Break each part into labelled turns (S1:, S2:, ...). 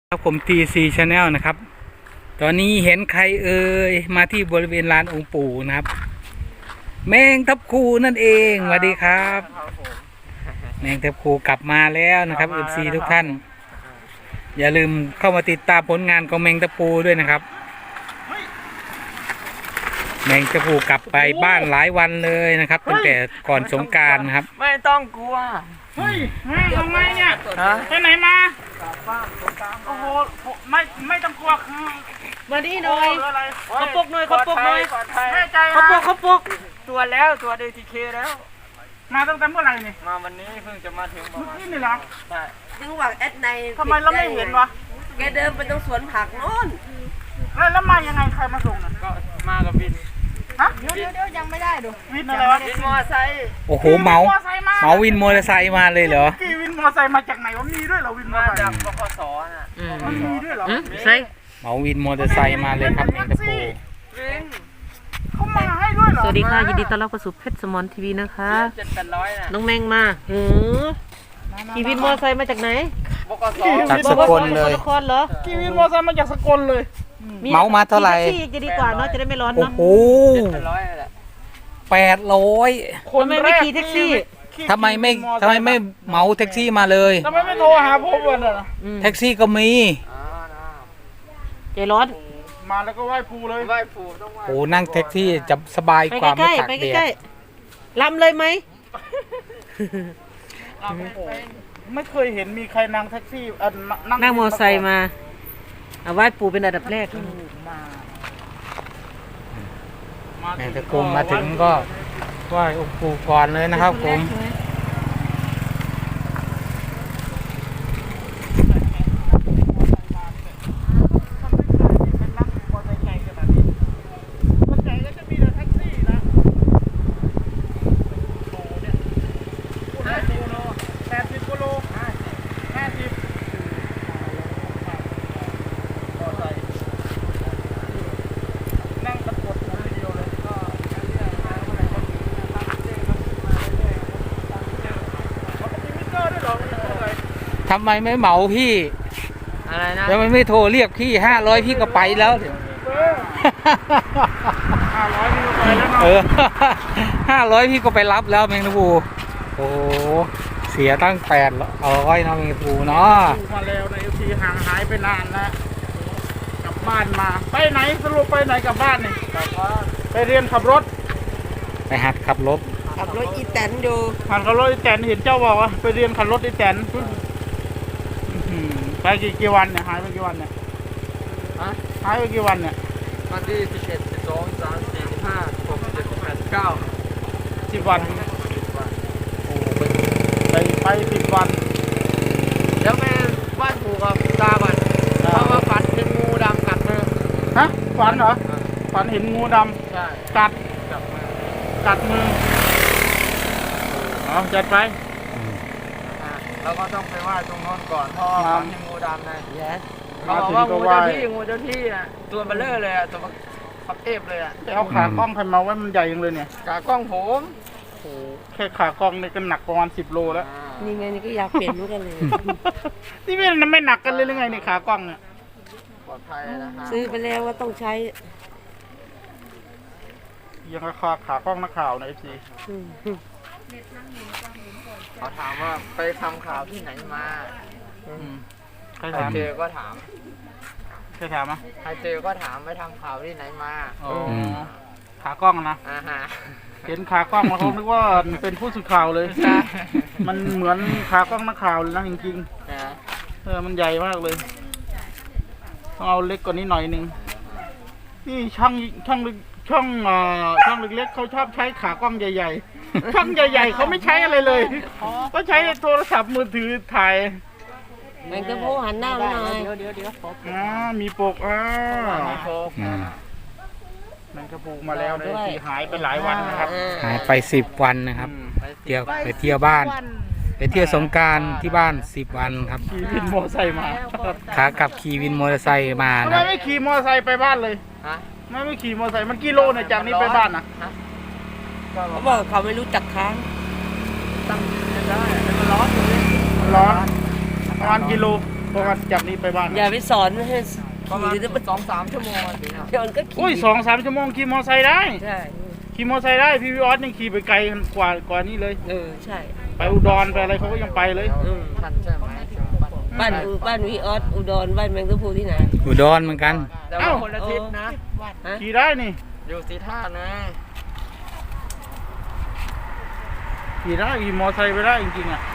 S1: ครับผม TC Channel นะครับตอนนี้เห็นใครมาที่บริเวณลานองค์ปู่นะครับแมงทับครูนั่นเองสวัสดีครับแมงทับครูกลับมาแล้วนะครับ FC ทุกท่านอย่าลืมเข้ามาติดตามผลงานของแมงทับครูด้วยนะครับแมงทับครูกลับไปบ้านหลายวันเลยนะครับตั้งแต่ก่อนสงกรานต์นะครับ
S2: ไม่ต้องกลัว
S3: เฮ้ยมาทำไมเนี่ยไปไหนมาโอ้โหไม่ต้องกลัวคือ
S2: มาดีหน่อยเขาปลุกหน่อยเขาปลุกหน่อย
S3: แน่ใจ
S2: เขาปลุกตัวแล้วตัวเดทีเคแล้ว
S3: มาตั้งแต่เมื่อไหร่นี่
S2: มาวันนี้เพิ่งจะมาถึง
S3: เมื่อกี้นี่เหรอ
S2: ใช่
S4: ยังหวังแอดใน
S3: ทำไมเราไม่เห็นวะ
S4: แกเดินไปตรงสวนผักโน่น
S3: แล้วมายังไงใครมาส่งน่ะ
S2: ก็มากับวิน
S3: ฮะ
S4: เดี๋ยวยังไม่ได้ดู
S3: วินอะไรวะ
S2: วินมอไซค์
S1: โอ้โหเมาวินมอเตอร์ไซค์มาเลยเหรอ
S3: กี่วินมอไซค์มาจากไหนวะมีด้วยเหรอวินมอ
S2: มา
S3: ไซค์
S2: จากบขสน่ะ
S3: มีด้วยเหรอ
S2: ใช่
S1: เมาวินมอเตอร์ไซค์มาเลยครับแมงทับครู
S2: วิน
S3: เขามาให้ด้วยเหรอ
S5: สวัสดีค่ะยินดีต้อนรับเข้าสู่เพชรสมอนทีวีนะคะ
S2: 700-800น่ะ
S5: น้องแมงมาขี่วินมอเตอร์ไซค์มาจากไหน
S2: บขส
S1: จากสกลเลย
S5: นครเหรอ
S3: กี่วินมอไซค์มาจากสกลเลย
S1: เมามาเท่าไหร่
S5: จะดีกว่าเนาะจะได้ไม่ร้อน
S1: โอ้
S5: เนาะ
S1: โห
S2: 700แหละ
S1: 800
S5: ทำไมไม่ขี่แท็กซี่
S1: ทำไมไม่เหมาแท็กซี่มาเลย
S3: ทำไมไม่โทรหาผมวะน่ะ
S1: แท็กซี่ก็มี
S5: ใจร้อน
S3: มาแล้วก็ไหว้ครูเลย
S2: ไหว้ปู่ต้องไหว้
S1: โอ้นั่งแท็กซี่จะสบายกว่าไม่ตากแดด
S5: ลำเลยไหม
S3: ไม่เคยเห็นมีใครนั่งแท็กซี่
S5: นั่งมอเตอร์ไซค์มาเอาไหว้ปู่เป็นอันดับแรก
S1: แมงทับครูมาถึงก็ไหว้องค์ปู่ก่อนเลยนะครับผมทำไมไม่เหมาพี่
S2: อะไรนะ
S1: ทำไมไม่โทรเรียกพี่500พี่ก็ไปแล้ว500พี่ก็ไปรับแล้วแมงทับครูโอ้เสียตั้ง800นะแมงทับครูเนาะ
S3: มาแล้วในทีห่างหายไปนานแล้วกลับบ้านมาไปไหนสรุปไปไหนกลับบ้านนี่ไปเรียนขับรถ
S1: ไปหัดขับรถ
S4: อีแตนดู
S3: หัดขับรถอีแตนเห็นเจ้าบอกว่าไปเรียนขับรถอีแตนไปกี่วันเนี่ยหายไปกี่วันเนี่ยหายไปกี่วันเนี่ย
S2: วันที่11 12 13 14 15 16 17 18 19
S3: 10 วันโอ้ไป10 วัน
S2: เดี๋ยวแม่ไหว้ปู่กับตาก่อนเพราะว่าฝันเห็นงูดำกัดมือ
S3: ฮะฝันเหรอฝันเห็นงูดำ
S2: ใช่
S3: กัดมือเอาจัดไป
S2: เราก็ต้องไปไหว้ตรงโน้นก่อนเพราะฝันเห็นงูดำไงเขาบอกว่างูเจ้าที่อ่ะตัวเบลเลอร์เลยอ่ะตัวพับเอฟเลยอ่ะ
S3: เอาขากล้องใครมาไว้มันใหญ่ยังเลยเนี่ย
S2: ขากล้องผม
S3: โอ้แค่ขากล้องนี่ก็หนักประมาณ10 โลแล้ว
S5: นี่ไงนี่ก็อยากเปลี่ยนเหมือนกันเลย
S3: นี่ไม่หนักกันเลยหรือไงในขากล้องเนี่ย
S2: ปลอดภัยนะฮะ
S5: ซื้อไปแล้วว่าต้องใช้
S3: ยังราคาขากล้องนักข่าวในFC
S2: เขาถามว่าไปทำข่าวที่ไหนมา
S3: ใคร
S2: เจอก็ถาม
S3: ใครถามอ่ะ
S2: ใครเจอก็ถามไปทำข่าวที่ไหนมา
S3: ขากล้องนะเห็นขากล้องแล้วเขาคิดว่าเป็นผู้สื่อข่าวเลยมันเหมือนขากล้องนักข่าวเลยนะจริงๆมันใหญ่มากเลยต้องเอาเล็กกว่านี้หน่อยนึงนี่ช่างเล็กๆเขาชอบใช้ขากล้องใหญ่ๆช่างใหญ่ๆเขาไม่ใช้อะไรเลยก็ใช้โทรศัพท์มือถือถ่าย
S5: แมงทับครูหันหน้ามาหน่อย
S3: เดี๋ยวมีปกแมงทับครูมาแล้วนะที่หายไปหลายวันนะครับ
S1: หายไป10 วันนะครับไปเที่ยวบ้านไปเที่ยวสงกรานต์ที่บ้าน10 วันครับ
S3: ขี่วินมอเตอร์ไซค์มา
S1: ขากลับขี่วินมอเตอร์ไซค์มา
S3: ทำไมไม่ขี่มอเตอร์ไซค์ไปบ้านเลยไม่ขี่มอเตอร์ไซค์มันกิโลเนี่ยจากนี้ไปบ้านนะ
S5: เขาบอกเขาไม่รู้จักทาง
S2: ตั้งได้มันร้อน
S3: ประมาณกิโลเพราะว่าจากนี้ไปบ้าน
S5: อย่าไปสอนให้
S2: ประมาณ
S5: ขี่จะไป
S2: 2-3 ชั่วโมงสิครับ
S5: เดี๋ยวมันก็ขี่
S3: อุ้ย2-3 ชั่วโมงขี่มอไซค์ได้
S5: ใช่
S3: ขี่มอไซค์ได้พี่วิออสยังขี่ไปไกลกว่านี้เลย
S5: ใช่
S3: ไปอุดรไปอะไรเขาก็ยังไปเลย
S2: ท่านใช่ไหม
S5: บ้านวีออสอุดรบ้านแมงกะพรูที่ไหน
S1: อุดรเหมือนกัน
S2: แต่ว่าคนละทิศนะ
S5: ฮะ
S3: ขี่ได้นี่
S2: อยู่สีท่านะ
S3: ขี่ได้ขี่มอไซค์ไปได้จริงๆอ่ะ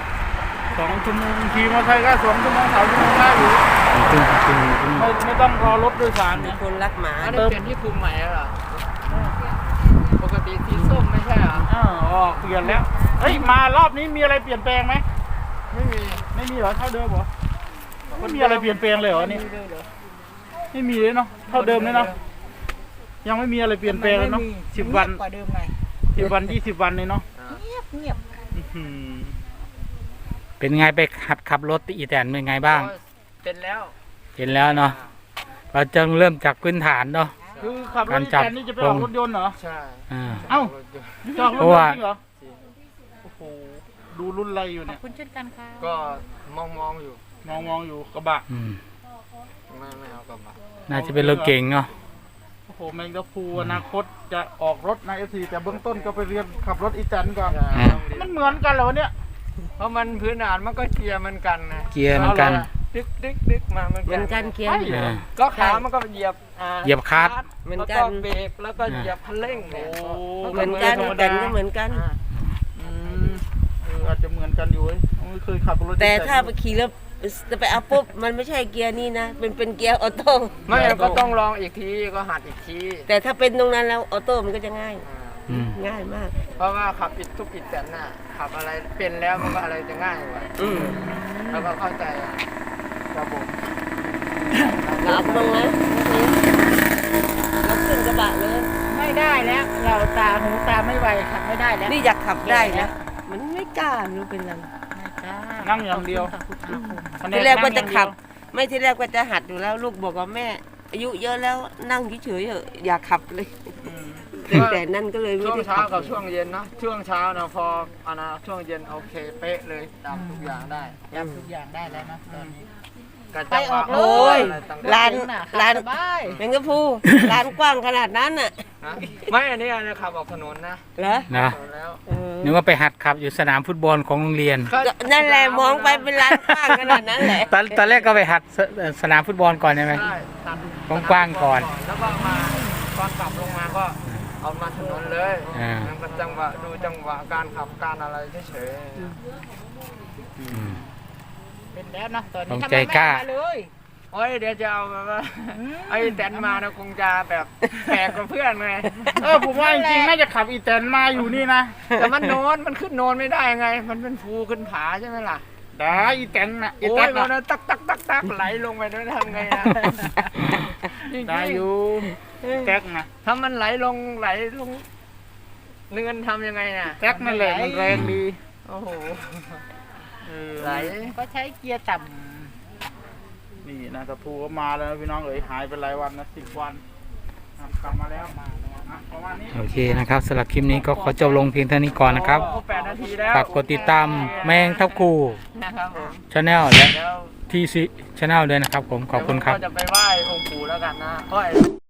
S3: 2 ชั่วโมงขี่มอไซค์ก็2 ชั่วโมง3 ชั่วโมงได้อยู่ไม่ต้องรอรถโดยสาร
S5: มี
S3: เนี่ย
S5: คนรักหมา
S2: อันนี้เปลี่ยนที่คุมใหม่แล้วเหรอปกติสีส้มไม่ใช่เหรอ
S3: อ๋อเปลี่ยนแล้วเฮ้ยมารอบนี้มีอะไรเปลี่ยนแปลงไหม
S2: ไม่มี
S3: ไม่มีเหรอเท่าเดิมเหรอไม่มีอะไรเปลี่ยนแปลงเลยเหรอนี่ไม่มีเลยเนาะเท่าเดิมเลยเนาะยังไม่มีอะไรเปลี่ยนแปลงเลยเนาะ10 วัน
S4: กว่าเดิมไง
S3: 10 วัน20 วันเลยเนาะ
S4: เงียบ
S3: อื้อหือ
S1: เป็นไงไปหัดขับรถอีแตนเป็นไงบ้าง
S2: เป็นแล้ว
S1: เห็นแล้วเนาะเราจะเริ่มจากพื้นฐานเนาะ
S3: คือขับรถ
S1: การจับ
S3: แทนนี่จะไปออกรถยนต์เหรอ
S2: ใช่
S1: อ่า
S3: เอ้า จอดรถ
S1: เพราะ
S3: ยน
S1: ว่า
S3: ต์จริงเหรอโอ้โหดูรุ่นอะไรอยู่เนี่ย
S4: คุณเช่นกันค่ะ
S2: ก็มองอยู่
S3: มองอยู่กระบะ
S1: อืม
S2: ไม่เอากลับมา
S1: น่าจะเป็นรถเก่งเนาะ
S3: โอ้โหแมงกะพรูอนาคตจะออกรถใน F4 แต่เบื้องต้นก็ไปเรียนขับรถอีแตนก่อน มันเหมือนกันเหรอวะเนี่ย
S2: เพราะมันพื้นฐานมันก็เกียร์เหมือนกันนะ
S1: เกียร์เหมือนกัน
S2: ดึกมาเหมือน
S5: เหมื
S2: กั
S5: อน นกันเคียง
S3: ใช่เหรอ
S2: ก็ขามันก็เหยียบ
S1: เหยียบคลัตช์
S5: เหมือน
S2: แล้ว
S5: กั
S2: ก็
S5: น
S2: เบรกแล้วก็เหยียบคันเร่งเนี่ย
S3: โอ้
S5: เหมือนกัน
S3: ธรรม
S5: แต่
S3: ดา
S5: ก็เหมือนกัน
S3: อืมอาจจะเหมือนกันอยู่เว้ยไม่เคยขับรถ
S5: แต่ถ้าไปขี่แล้วจะไปเอาปุ๊บมันไม่ใช่เกียร์นี่นะเป็นเกียร์ออโต้
S2: ไม่ก็ต้องลองอีกทีก็หัดอีกที
S5: แต่ถ้าเป็นตรงนั้นแล้วออโต้มันก็จะง่าย
S1: อืม
S5: ง่ายมาก
S2: เพราะว่าขับอิดทุกอิดแต่น่ะขับอะไรเป็นแล้วมันก็อะไรจะง่ายกว่า
S5: อืม
S2: แล้วก็เข้าใจครับผม
S5: เราเอาตรงนั้นเราขึ้นกระบะเลย
S4: ไม่ได้แล้ว เราตาหูตาไม่ไหวขับไม่ได้แล้ว
S5: นี่อยากขับได้นะมันไม่กล้าไม่รู้เป็นไร
S3: นั่งอย่างเดียว
S5: ที่แรกว่าจะขับ ไม่ที่แรกว่าจะหัดอยู่แล้วลูกบอกว่าแม่ อายุเยอะแล้วนั่งเฉยๆเถอะอยากขับเลยแต่นั่นก็เลยไม่
S2: ช่วง
S5: ได้
S2: เช้า
S5: ขับ
S2: กับช่วงเย็นเนอะช่วงเช้านะพอช่วงเย็นโอเคเป๊ะเลยตามทุกอย่างได้
S4: จำทุกอย่างได้แล้วนะตอนนี้
S2: กระ
S4: ไปออกเลย
S5: โอ้ย
S2: ร้า
S5: ร้าน
S4: สบาย
S5: แมงกะพรูร้านกว้างขนาดนั้นน่ะ
S2: ไม่อันนี้ขับออกถนนนะ
S5: เหรอ
S1: นะ
S2: ถนนแล้ว
S1: นึกว่าไปหัดขับอยู่สนามฟุตบอลของโรงเรียน
S5: ก็นั่นแหละมองไปเป็นร้านกว้างขนาดนั้นแหละ
S1: ตอนแรกก็ไปหัดสนามฟุตบอลก่อนใช่ไหม
S2: ใช่ตัด
S1: กว้างๆก่อน
S2: แล้วก็มาตอนกลับลงมาก็เอามาถนนเลย
S1: อ่า
S2: มันก็จังหวะดูจังหวะการขับการอะไรเฉย
S1: อืม
S4: เป็นแล้วนะตอน
S1: ต้
S4: นี้
S1: อง
S4: ทำ
S1: ใจ
S4: ไมไม่
S1: กล้า
S4: มาเลย
S2: ๆโอ้ยเดี๋ยวจะเอาแบบว่าไอ้แตนมานะคงจะแบบแปลกกว่าเพื่อนไง
S3: ผมว่าจริงๆน่าจะขับอีแตนมาอยู่นี่นะ
S2: แต่มันโนนมันขึ้นโนนไม่ได้ไง มันเป็นภูขึ้นผาใช่ไหมล่ะ
S3: ได้อีแตนนะอี
S2: โอ้
S3: แต
S2: ย
S3: น
S2: มัน
S3: นะ
S2: ตักตักตักตักไหลลงไปด้วยทำไงนะจริงๆ
S3: ได้อยู่แท็กนะ
S2: ถ้ามันไหลลงเนินทำยังไงน่ะ
S3: แท็กนั่นแหละมันแรงดี
S2: โอ้โห
S3: เออ
S2: ไหล
S4: ก็ใช้เกียร์ต่
S3: นี่นะกระพูก็มาแล้วนะพี่น้องเอ๋ยหายไปหลายวันนะ10 วันอ่ะกลับมาแล้วอ่ะประมาณนี้
S1: โอเคนะครับสำหรับคลิปนี้ก็ขอจบลงเพียงเท่านี้ก่อนนะครับ
S2: โอ้8 นาทีแล้ว
S1: ฝากกดติดตามแมงทับคู
S2: นะครับผม
S1: ชาแนลและ
S2: เดี๋ยว
S1: ทีซีชาแนลด้วยนะครับผมขอบคุณครับ
S2: ก็จะไปไหว้องค์ปู่แล้วกันนะ